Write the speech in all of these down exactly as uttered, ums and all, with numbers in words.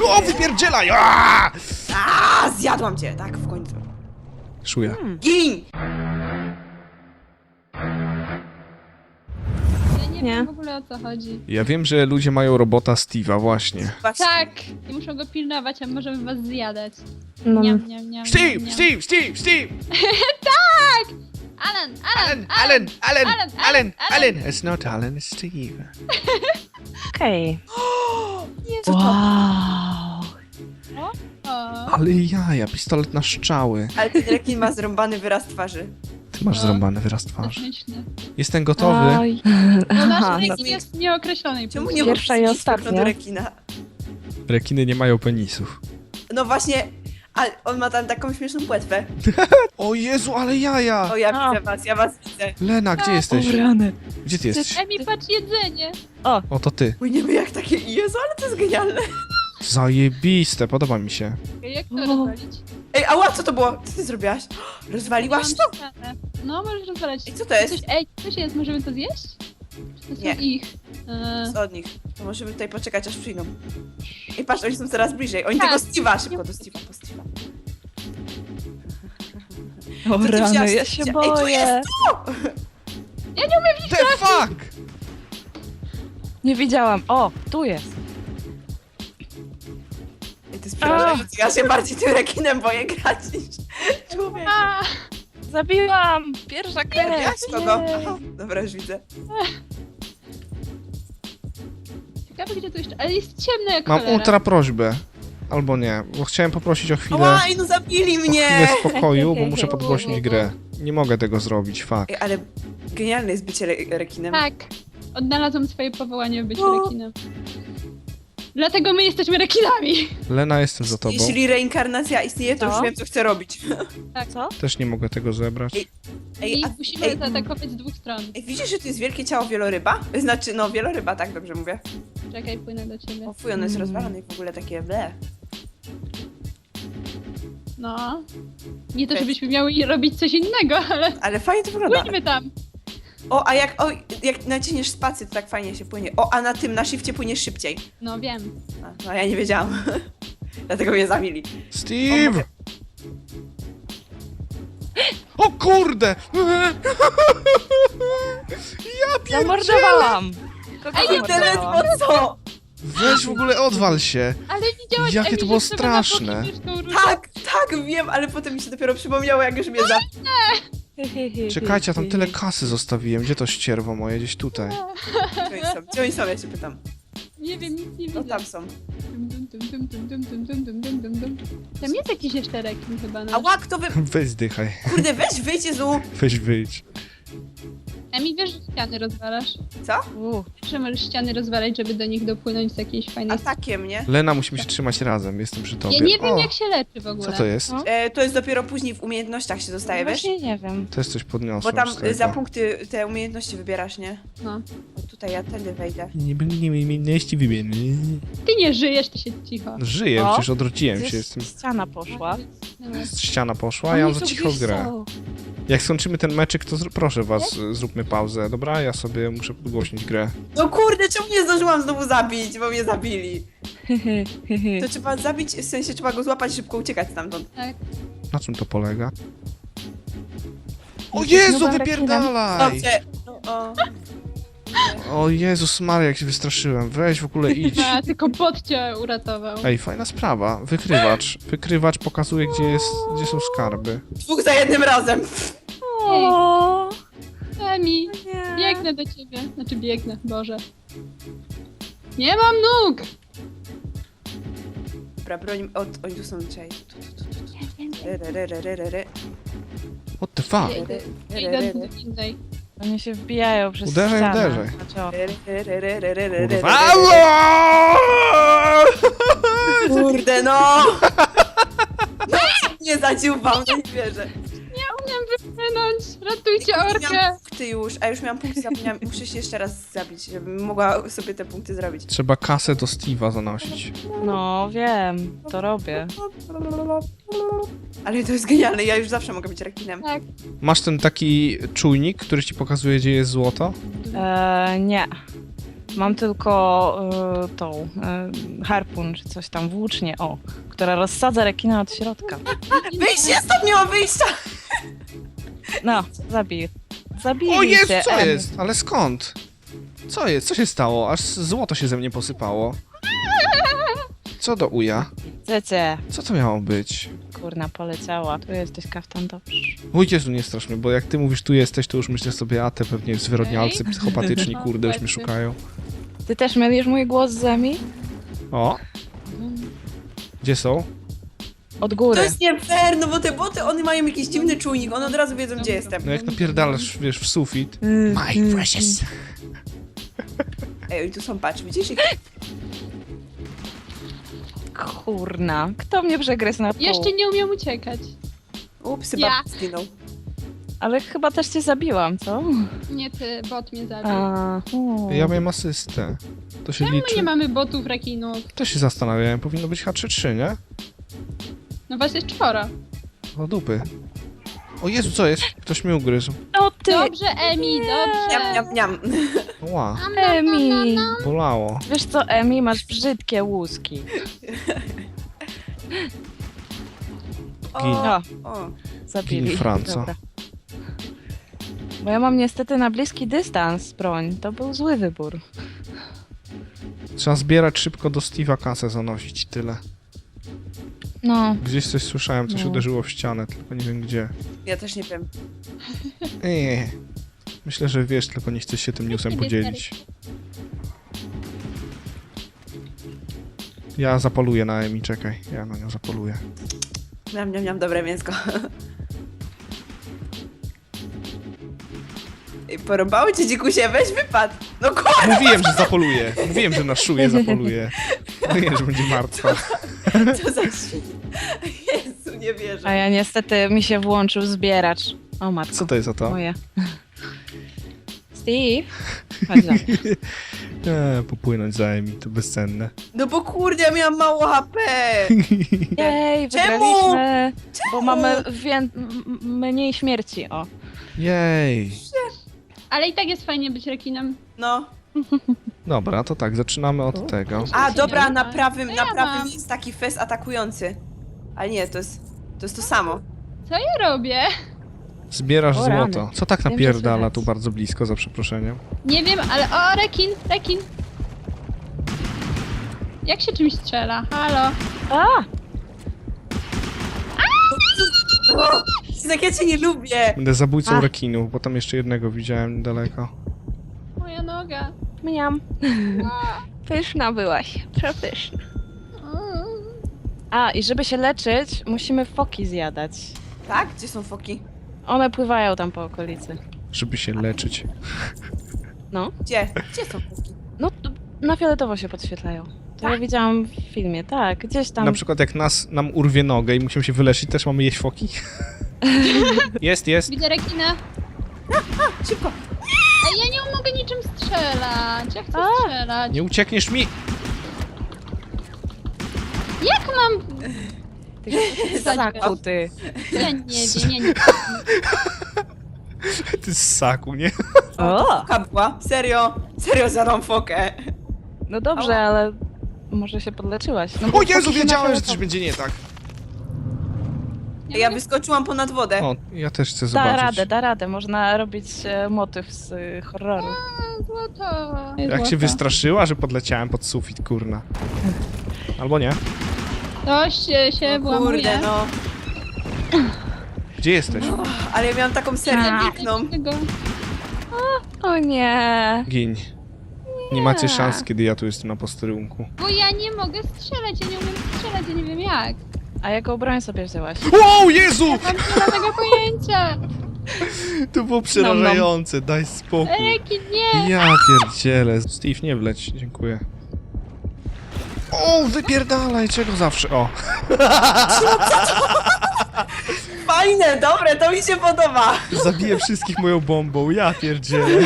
O, wypierdzielaj! Aaaa! A, zjadłam cię, tak, w końcu. Szuja. Hmm. Gin! Ja nie, Nie. wiem w ogóle o co chodzi. Ja wiem, że ludzie mają robota Steve'a, właśnie. Właśnie. Tak! I muszą go pilnować, a możemy was zjadać. No. Niam, niam, niam, Steve, niam. Steve, Steve, Steve! Alan, Alan, Alan, Alan, Alan, Alan, Alan, Alan. Alan! It's not Alan, it's Steve. Okej. Jezu, to... Wow. O, Ale jaja, pistolet na strzały. Ale ten rekin ma zrąbany wyraz twarzy. Ty masz No. zrąbany wyraz twarzy. techniczny. Jestem gotowy. Oj. Bo Aha, nasz no. rekin jest nieokreślonej Czemu płci. nie Pierwsza możesz i mieć ostatnia. do rekina? Rekiny nie mają penisów. No właśnie, ale on ma tam taką śmieszną płetwę. O Jezu, ale jaja! O, ja A. widzę was, ja was widzę. Lena, gdzie jesteś? O rany. Gdzie ty jesteś? Emi, patrz jedzenie! O, to ty. Płyniemy jak takie... Jezu, ale to jest genialne. Zajebiste, podoba mi się. Jak to O. rozwalić? Ej, ała, co to było? Co ty zrobiłaś? Rozwaliłaś to? Mam ścianę. No, możesz rozwalać. Ej, co to jest? Coś, ej, coś jest, możemy to zjeść? Czy to są Nie. ich? Eee, Co od nich? To możemy tutaj poczekać, aż przyjdą. I patrz, oni są coraz bliżej. Oni Tak. tego Steve'a, szybko do Steve'a, po Steve'a. O ty rany, wzięłaś? ja się Ej, tu boję. jest The fuck! Nie widziałam. O, tu jest. Ej, to jest przerażające. Ja się bardziej tym rekinem boję grać niż człowiek. a, Zabiłam. Pierwsza krew. Ja kogo? Jej. Aha, dobra, już widzę. ciekawe gdzie tu jeszcze, ale jest ciemno jak Mam cholera. ultra prośbę. Albo nie, bo chciałem poprosić o chwilę, Ała, ej, no zabili o mnie! chwilę spokoju, bo muszę podgłośnić grę. Nie mogę tego zrobić, fuck. Ej, ale genialne jest bycie re rekinem. Tak, odnalazłam swoje powołanie w byciu O. rekinem. Dlatego my jesteśmy rekinami! Lena, jestem za tobą. Jeśli reinkarnacja istnieje, to Co? już wiem, co chcę robić. Co? Też nie mogę tego zebrać. Ej, Ej, I a, musimy ej, zaatakować z dwóch stron. ej, widzisz, że tu jest wielkie ciało wieloryba? Znaczy, no, wieloryba, tak dobrze mówię. Czekaj, płynę do ciebie. O fuj, ono jest Mm. rozwalone i w ogóle takie ble. No. Nie to, Cześć. żebyśmy miały robić coś innego, ale Ale fajnie to wygląda. płyńmy tam. O, a jak, o, jak naciśniesz spację, to tak fajnie się płynie. O, a na tym, na shifcie płyniesz szybciej. No wiem. A, no, ja nie wiedziałam. Dlatego mnie zabili. Steve! O kurde! Ja pierdzielę! Zamordowałam. Kogo Ej, nie zamordowałam? Ledwo co? Weź w ogóle odwal się! Ale widziałaś, Jakie Emi, to było że trzeba na boki straszne. myszką ruszać? Tak, tak, wiem, ale potem mi się dopiero przypomniało, jak już mnie zabił. Czekajcie, ja tam tyle kasy zostawiłem. Gdzie to ścierwo moje? Gdzieś tutaj. Gdzie oni są? Gdzie oni są, ja się pytam. Nie wiem, nic nie No widzę. tam są. Dum, dum, dum, dum, dum, dum, dum, dum, dum, dum, dum, dum. Tam jest jakiś jeszcze rekin chyba A nasz. łak, to wy... Weź zdychaj. Kurde, weź, wyjdź, Jezu! Weź wyjdź. Emi, wiesz, że ściany rozwalasz? Co? U, Wiesz, że możesz ściany rozwalać, żeby do nich dopłynąć z jakiejś fajnej... Atakiem, nie? Lena, musimy się trzymać razem. Jestem przy tobie. Ja nie wiem, O, jak się leczy w ogóle. co to jest? No. E, to jest dopiero później w umiejętnościach się dostaje, wiesz? właśnie nie wiem. Też coś Bo podniosłem tam z y, tego. za punkty te umiejętności wybierasz, nie? No. O, tutaj ja tędy wejdę. Nie będę nie umiejętności wybierać. Ty nie żyjesz, ty się cicho. Żyję, O. przecież odwróciłem się. Gdzieś Jestem... ściana poszła. Dobra. Ściana poszła, a ja mam za cicho grę. Jak skończymy ten meczyk, to zr- proszę was, y, zróbmy pauzę, dobra? Ja sobie muszę podgłośnić grę. No kurde, czemu nie zdążyłam znowu zabić, bo mnie zabili? To trzeba zabić, w sensie trzeba go złapać, szybko uciekać stamtąd. Tak. Na czym to polega? O Jesteś Jezu, nowym wypierdalaj! Dobrze. No, o. O Jezus Maria, jak się wystraszyłem. Weź w ogóle idź. A, tylko bot cię uratował. Ej, fajna sprawa. Wykrywacz. Wykrywacz pokazuje, gdzie, jest, gdzie są skarby. Dwóch za jednym razem. O, Emi, nie. biegnę do ciebie. Znaczy biegnę, Boże. Nie mam nóg! Dobra, broń, od, oni tu są, czekaj. Tu, tu, tu, tu, tu. Re, re, re, re, re, re, re. What the fuck? Ja idę, ja idę do innej. Oni się wbijają przez Uderzaj, ścianę. uderzaj. Znaczy, o, Re, re, re, re, re, re, re, re, Kurwa. re. Kurde, no! No, nie zadziubał, no nie wierzę. Nie umiem wypłynąć! Ratujcie Nie orkę! miałam punkty już, a już miałam punkty, zapomniałam. Muszę się jeszcze raz zabić, żebym mogła sobie te punkty zrobić. Trzeba kasę do Steve'a zanosić. no wiem, to robię. Ale to jest genialne, ja już zawsze mogę być rekinem. Tak. Masz ten taki czujnik, który ci pokazuje, gdzie jest złoto? Eee, nie. Mam tylko y, tą y, harpun, czy coś tam, włócznię, o, która rozsadza rekina od środka. Wyjście, stop, nie ma wyjścia! No, zabij. Zabij O jest, się, co Em. jest? Ale skąd? Co jest? Co się stało? Aż złoto się ze mnie posypało. Co do uja? Cecie, Co to miało być? kurna, poleciała. Tu jesteś, kaftan, dobrze. Oj Jezu, nie strasz mnie, bo jak ty mówisz tu jesteś, to już myślę sobie, a te pewnie zwyrodnialcy Okej. psychopatyczni, No, kurde, już mnie właśnie. szukają. Ty też mylisz mój głos z Zemi? O! Gdzie są? Od To góry. jest nie fair, no bo te boty, one mają jakiś dziwny czujnik, one od razu wiedzą, gdzie jestem. No jak napierdalasz, wiesz, w sufit. Mm, My precious. Ej, oni tu są, patrz, widzisz ich? Kurna, kto mnie przegryzł na pół? Jeszcze nie umiem uciekać. Ups, Ja. chyba zginął. Ale chyba też cię zabiłam, co? Nie ty, bot mnie zabił. A, u. Ja miałem asystę. To się My nie liczy. mamy botów rekinów. To się zastanawiałem, powinno być H trzy trzy, nie? No was jest czworo. O dupy. O Jezu, co jest? Ktoś mnie ugryzł. No ty, Dobrze, Emi, dobrze. Niam, niam, niam. Ła, Nam, nam, nam, nam, Emi. nam. bolało. Wiesz co, Emi, masz brzydkie łuski. Gin. O, O, o. zabili. Gin Franco. Dobra. Bo ja mam niestety na bliski dystans broń. To był zły wybór. Trzeba zbierać szybko do Steve'a kasę zanosić i tyle. No, Gdzieś coś słyszałem, coś No. uderzyło w ścianę, tylko nie wiem gdzie. Ja też nie wiem. Eee. Myślę, że wiesz, tylko nie chcesz się tym newsem Ciebie podzielić. Ja zapoluję na Emi, czekaj. Ja na nią zapoluję. Niam, niam, niam, dobre mięsko. Ej, porąbało cię, dzikusie, weź wypad. No kurwa, Mówiłem, że zapoluję. Mówiłem, że na szuję zapoluję. Mówiłem, że będzie martwa. co za świn. Jezu, nie wierzę. a ja niestety mi się włączył zbieracz. O matko, Co to jest za to? moje. Steve, chodź za mnie. Eee, popłynąć za Emi, to bezcenne. No bo kurde, ja miałam mało H P. Jej, Czemu? wygraliśmy, bo mamy wię- m- m- mniej śmierci, o. Jej. Ale i tak jest fajnie być rekinem. No. Dobra, to tak, zaczynamy od tego. A, się dobra, nie na ma. prawym, To na ja prawym mam. jest taki fest atakujący. Ale nie, to jest, to jest to samo. Co ja robię? Zbierasz O, rany. złoto. Co tak Wiem, że napierdala słychać. tu bardzo blisko, za przeproszeniem? Nie wiem, ale o, rekin, rekin. Jak się czymś strzela? Halo? A! O, tak ja cię nie lubię. Będę zabójcą Ach. rekinów, bo tam jeszcze jednego widziałem niedaleko. Moja noga. Mniam. Pyszna byłaś, przepyszna. Mm. A, i żeby się leczyć, musimy foki zjadać. Tak? Gdzie są foki? One pływają tam po okolicy. Żeby się leczyć. No, Gdzie? Gdzie są foki? no t- na fioletowo się podświetlają. To ja widziałam w filmie, tak, gdzieś tam. Na przykład jak nas, nam urwie nogę i musimy się wyleczyć, też mamy jeść foki? Jest, jest. Widzę rekina. Szybko. Ej, ja nie mogę niczym strzelać. Ja chcę A. strzelać. Nie uciekniesz mi! Jak mam... Ty ssaku, ty. Ja nie wiem, ja nie Ty z saku, nie? O! Foka była. Serio? Serio zadam fokę. No dobrze, ale może się podleczyłaś. No bo O Jezu, foki się wiedziałem, że na coś będzie nie tak. Ja Ja mogę- wyskoczyłam ponad wodę. O, ja też chcę Da zobaczyć. radę, da radę. Można robić e, motyw z e, horroru. A, złoto. Jak się Złoto. wystraszyła, że podleciałem pod sufit, kurna. Albo nie. Dość e, się O włamuje. kurde, no. Gdzie jesteś? Ale ja miałam taką serię A. piękną. Tego. O nie! Gin. Nie macie szans, kiedy ja tu jestem na posterunku. Bo ja nie mogę strzelać, ja nie umiem strzelać, ja nie wiem jak. A jaką broń sobie wzięłaś? Wow, Jezu! Mam nie tego pojęcia. To było przerażające, daj spokój. Rekin, nie. Ja pierdzielę. Steve, nie wleć, dziękuję. O, wypierdalaj, czego zawsze, o. Fajne, dobre, to mi się podoba. Zabiję wszystkich moją bombą, ja pierdzielę.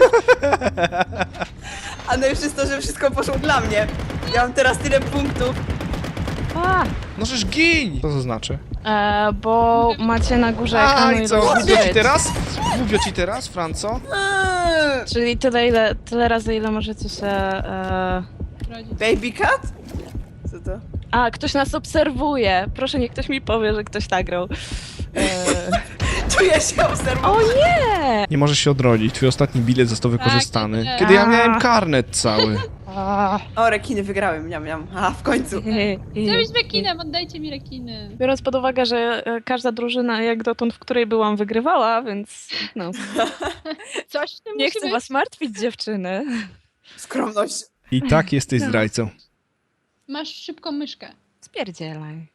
A no już jest to, że wszystko poszło dla mnie. Ja mam teraz tyle punktów. A! No żeż gin! Co to znaczy? E, bo macie na górze A ekranu i co, ilość głupio ci zdjęć. teraz? Głupio ci teraz, Franco? Eee. Czyli tyle, ile, tyle razy, ile możecie się... E... Rodzic. Baby cat? Co to? A, ktoś nas obserwuje. Proszę, niech ktoś mi powie, że ktoś nagrał. E... Czuję się obserwowana. O nie! Nie możesz się odrodzić, twój ostatni bilet został wykorzystany. nie. Kiedy ja miałem karnet cały. O, rekiny wygrałem, miam, miam. A, w końcu. Chcę być rekinem, oddajcie mi rekiny. Biorąc pod uwagę, że e, każda drużyna jak dotąd, w której byłam, wygrywała, więc no. Coś w tym Nie musi chcę być. was martwić, dziewczyny. Skromność. I tak jesteś zdrajcą. Masz szybką myszkę. Spierdzielaj.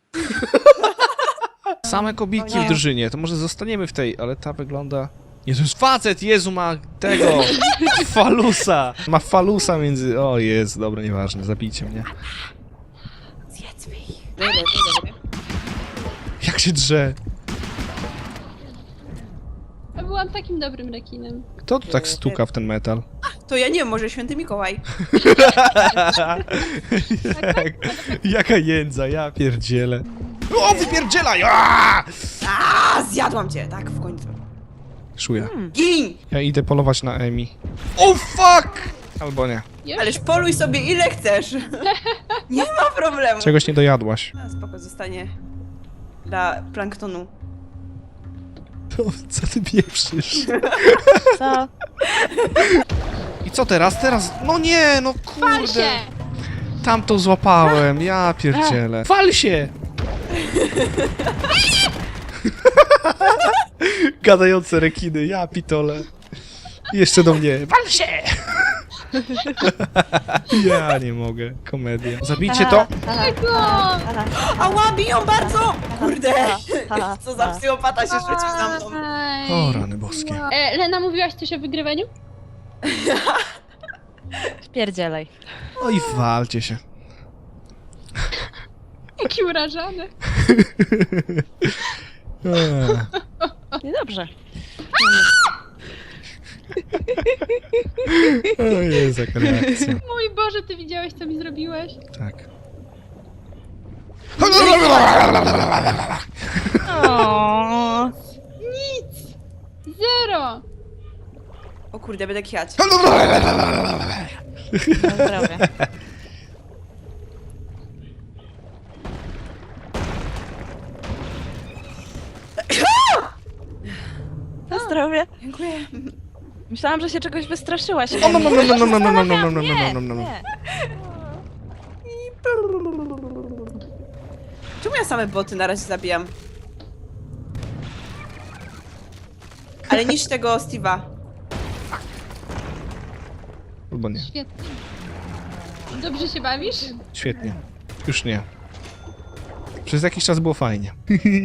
Same kobiki O nie. w drużynie, to może zostaniemy w tej, ale ta wygląda... Jezus, facet, Jezu, ma tego, falusa. Ma falusa między... O Jezu, dobra, nieważne, zabijcie mnie. Zjedzmy ich. Dobra, dobra. Jak się drze? Ja byłam takim dobrym rekinem. Kto tu tak stuka w ten metal? To ja nie wiem, może święty Mikołaj. Jak, jaka jędza, ja pierdzielę. O, wypierdzielaj! Aaaa! A, zjadłam cię, tak, w końcu. Szuja. Gin! Ja idę polować na Emi. O, fuck! Albo nie. Już? Ależ poluj sobie ile chcesz. Nie ma problemu. Czegoś nie dojadłaś. A, spoko, zostanie dla planktonu. To, co ty pieprzysz? Co? I co teraz? Teraz? No nie, no Pal kurde. się! Tam to złapałem, ja pierdzielę. Fal się! Gadające rekiny, ja pitole. Jeszcze do mnie. Wal się! Ja nie mogę, komedia. Zabijcie to! Tego! Ała, biją bardzo! Kurde! Co za psychopata się rzucił na mną. Aj. O, rany boskie. E, Lena, mówiłaś coś o wygrywaniu? Spierdzielaj. No i walcie się. Jaki urażony. Eee. Niedobrze. O Jezu, jaka reakcja. Mój Boże, ty widziałeś, co mi zrobiłeś? Tak. O. Zero! O kurde, będę kiać. Na zdrowie. Na zdrowie. Dziękuję. Myślałam, że się czegoś wystraszyłaś. O, no, no, no, no, no, no, no, no, no, no, no, Nie, no, no, no. nie. Czemu ja same boty na razie zabijam? Ale niż tego Steve'a. Albo nie. Świetnie. Dobrze się bawisz? Świetnie. Już nie. Przez jakiś czas było fajnie.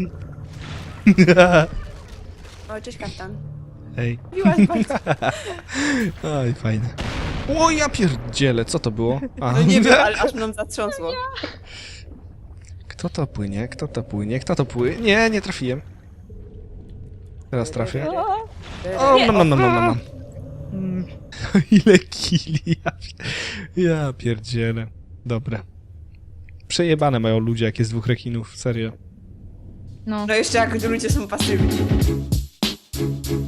O, cześć kaftan. Hej. Miła bardzo. Oj, fajne. O, ja pierdzielę, co to było? A. No nie wiem, ale aż mną zatrząsło. Kto to płynie? Kto to płynie? Kto to płynie? Nie, nie trafiłem. Teraz trafię. O. O, no, no, no, no, no, no. Ile kili? Ja, ja pierdzielę. Dobra. Przejebane mają ludzie, jak jest dwóch rekinów, serio. No. No jeszcze jak ludzie są pasywni.